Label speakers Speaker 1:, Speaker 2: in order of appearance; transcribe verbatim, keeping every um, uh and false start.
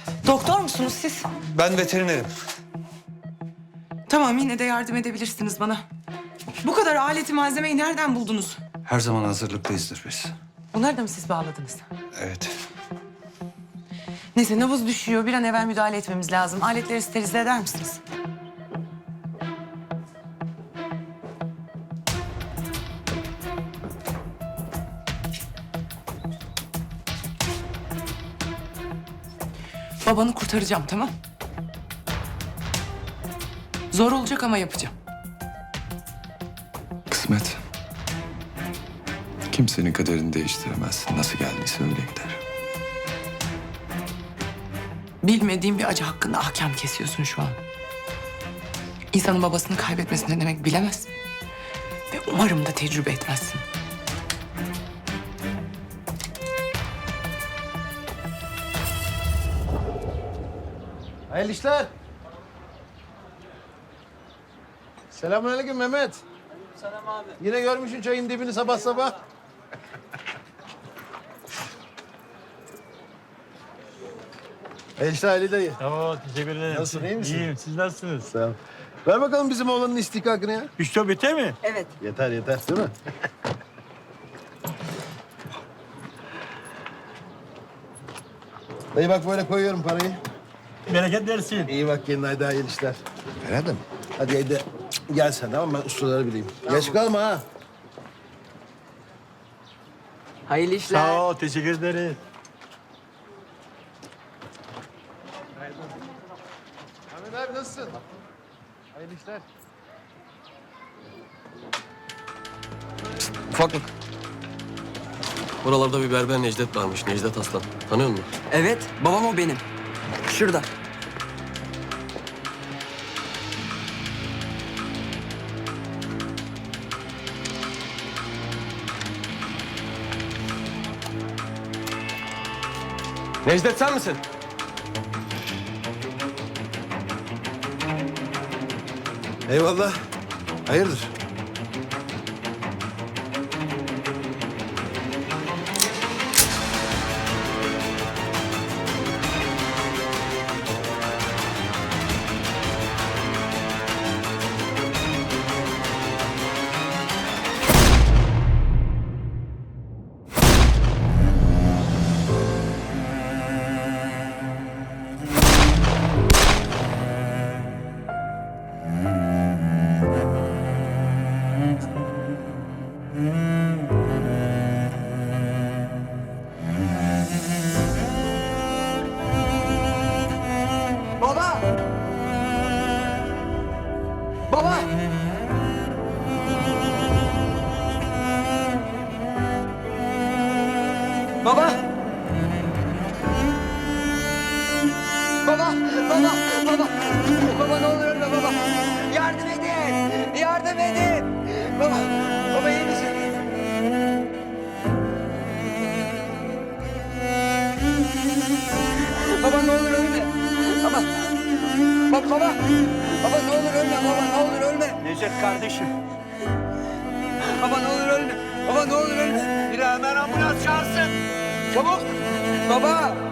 Speaker 1: Doktor musunuz siz?
Speaker 2: Ben veterinerim.
Speaker 1: Tamam, yine de yardım edebilirsiniz bana. Bu kadar aleti malzemeyi nereden buldunuz?
Speaker 2: Her zaman hazırlıklıyızdır biz.
Speaker 1: Bunları da mı siz bağladınız?
Speaker 2: Evet.
Speaker 1: Neyse, nabız düşüyor. Bir an evvel müdahale etmemiz lazım. Aletleri sterilize eder misiniz? Babanı kurtaracağım, tamam? Zor olacak ama yapacağım.
Speaker 3: Kısmet. Kimsenin kaderini değiştiremez. Nasıl geldiyse öyle gider.
Speaker 1: Bilmediğim bir acı hakkında ahkam kesiyorsun şu an. İnsanın babasını kaybetmesi ne demek bilemez. Ve umarım da tecrübe etmezsin.
Speaker 4: Hayırlı işler. Selamünaleyküm Mehmet.
Speaker 5: Selam abi.
Speaker 4: Yine görmüşsün çayın dibini sabah sabah. Hayırlı işler Ali dayı.
Speaker 5: Oo, teşekkür ederim.
Speaker 4: Nasılsın, iyi misin?
Speaker 5: İyiyim, siz nasılsınız?
Speaker 4: Sağ ol. Ver bakalım bizim oğlanın istihkakını ya.
Speaker 5: Üç biter mi?
Speaker 4: Yeter yeter değil mi? Dayı bak böyle koyuyorum parayı.
Speaker 5: Bereket versin.
Speaker 4: İyi bak kendine haydi hayırlı işler. Ferhat'ım hadi haydi gel sen tamam mı? Ben ustaları bileyim. Geç kalma ha.
Speaker 1: Hayırlı işler.
Speaker 5: Sağ ol, teşekkür ederim.
Speaker 4: Ahmet abi nasılsın? Hayırlı işler.
Speaker 6: Ufaklık. Buralarda bir berber Necdet varmış. Necdet Aslan. Tanıyor musun?
Speaker 7: Evet, babam o benim. Şurada.
Speaker 6: Necdet sen misin?
Speaker 4: Eyvallah. Hayırdır?
Speaker 7: Baba! Baba! Baba! Baba! Baba! Baba! Baba ne olur ölme baba! Yardım edin! Yardım edin! Baba! Baba iyi misin? Baba ne olur ölme! Baba! Baba! Baba! Baba ne olur ölme! Baba ne olur ölme!
Speaker 5: Necdet kardeşim.
Speaker 7: Baba ne olur ölme! Baba ne olur ölme!
Speaker 5: Bir hemen ambulans çağırsın.
Speaker 7: Çabuk! Baba!